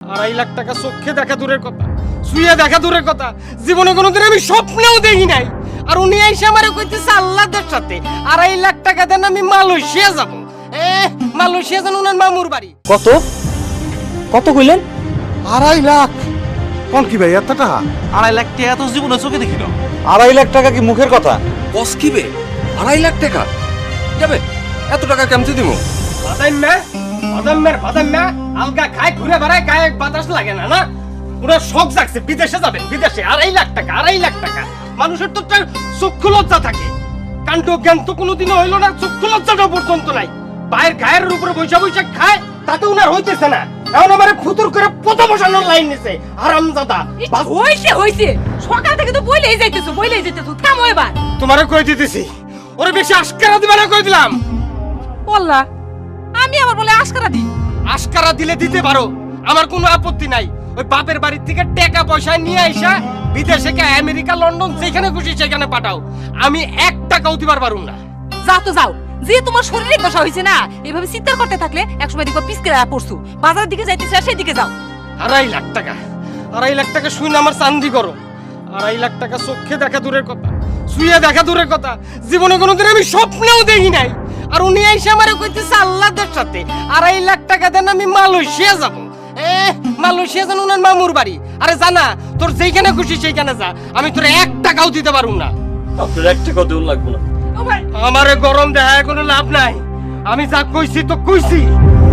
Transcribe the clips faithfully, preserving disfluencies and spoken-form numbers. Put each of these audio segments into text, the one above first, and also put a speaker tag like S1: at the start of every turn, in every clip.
S1: আড়াই লাখ টাকা চোখে দেখা দূরের কথা, শুয়ে দেখা দূরের কথা, জীবনে কোনোদিন আমি স্বপ্নেও দেখি নাই। আর উনি এসে আমারে কইতেছে আল্লাহদের সাথে আড়াই লাখ টাকা দেন আমি মালয়েশিয়া যাব। এ মালয়েশিয়া যান উনার মামুর বাড়ি।
S2: কত কত কইলেন?
S3: আড়াই লাখ? কোন কি ভাই এত টাকা?
S4: আড়াই লাখ টাকা তো জীবনে চোখে দেখি না।
S3: আড়াই লাখ টাকা কি মুখের কথা?
S5: বস কি বে আড়াই লাখ টাকা যাবে? এত টাকা কেমতে দিব?
S1: বাদাম না বাদাম মের বাদাম না আলগা খায় ঘুরে বেড়ায়, গায়ে বাতাস লাগে না না। ওরা শখ জাগছে বিদেশে যাবেন, বিদেশে আড়াই লাখ টাকা আড়াই লাখ টাকা। মানুষের তো চক্ষু লজ্জা থাকে, কাণ্ড জ্ঞান তো কোনোদিনও হইলো না, চক্ষু লজ্জাটা পর্যন্ত নাই। পায়ের গায়ের উপরে বৈশা বৈশা খায়, তাতে উনার হইতেছে না। এখন আমার ফুতুর করে পথ বসানোর লাইন নিছে হারামজাদা।
S6: হইছে হইছে, সকাল থেকে তো বইলেই যাইতেছো বইলেই যাইতেছো, থামো এবার।
S1: তোমারে কই দিতেছি, ওরে বেশি আশকারা দিবা না কই দিলাম।
S6: বললা আমি আবার বলে আশকারা দিই?
S1: আশকারা দিলে দিতে পারো, আমার কোনো আপত্তি নাই। ওই বাপের বাড়ির থেকে টাকা পয়সা নিয়ে আইসা বিদেশে কে আমেরিকা লন্ডন যেখানে খুশি সেখানে পাঠাও, আমি এক টাকাও দিবার পারুম না।
S6: যাও তো যাও, যে তোমার শরীরে দশা হয়েছে না, এভাবে চিৎকার করতে থাকলে একসময় দেখো পিছকে পড়ছু, বাজারের দিকে যাইতেছে সেই দিকে যাও।
S1: আড়াই লাখ টাকা আড়াই লাখ টাকা শুনে আমার চান্দি করো। আড়াই লাখ টাকা চোখে দেখা দূরের কথা, শুয়ে দেখা দূরের কথা, জীবনে কোনোদিন আমি স্বপ্নেও দেখি নাই। আর উনি এসে আমারে কইতেছে আল্লাহদের সাথে আড়াই লাখ টাকা দেন আমি মালয়েশিয়া যাব। এ মালয়েশিয়া যান উনার মামুর বাড়ি। আরে জানা তোর যেখানে খুশি সেইখানে যা, আমি তোর এক টাকাও দিতে পারুম না।
S2: আপনার এক টাকাও দেওয়া লাগবে না।
S6: ও ভাই
S1: আমারে গরম দেখায় কোনো লাভ নাই, আমি যা কইছি তো কইছি।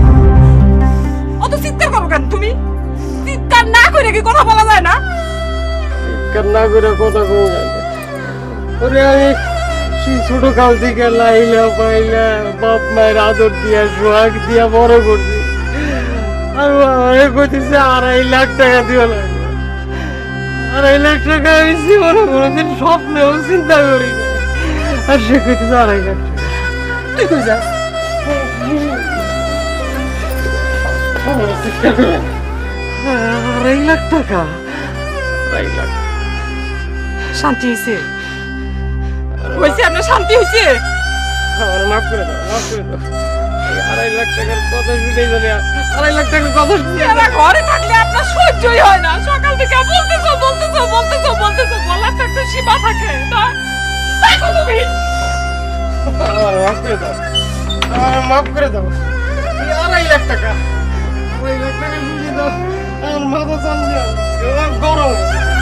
S6: অত চিৎকার করো কেন তুমি? চিৎকার না করে কি কথা বলা যায় না?
S1: কান্না করে কথা কও না। ওরে আমি সেই ছোট কাল থেকে লাইলা পাইলা বাপ মায়ের আদর দিয়া সোহাগ দিয়া বড় করছি, আর আমারে কইতেছে আড়াই লাখ টাকা দিও লাগবে। আড়াই লাখ টাকা আমি জীবনে কোনোদিন স্বপ্নেও চিন্তা করি না, আর সে কইতেছে আড়াই লাখ টাকা।
S6: তুই কই যাস?
S1: আড়াই লাখ টাকা আড়াই লাখ
S6: শান্তি হয়েছে? হয়েছে আপনার শান্তি হয়েছে?
S1: আমার মাফ করে দাও, মাফ করে দাও। এই আড়াই লাখ টাকার কথা শুনেই জানি আড়াই লাখ টাকার কথা শুনে
S6: এরা ঘরে থাকলে আপনার সহ্যই হয় না, সকাল থেকে বলতেছো বলতেছো বলতেছো বলতেছো, বলার তো একটা সীমা থাকে না? দেখো তুমি
S1: আমার মাফ করে দাও, আমার মাফ করে দাও। এই আড়াই লাখ টাকা আড়াই লাখ টাকা শুনে দাও, আমার মাথা চাল গরম।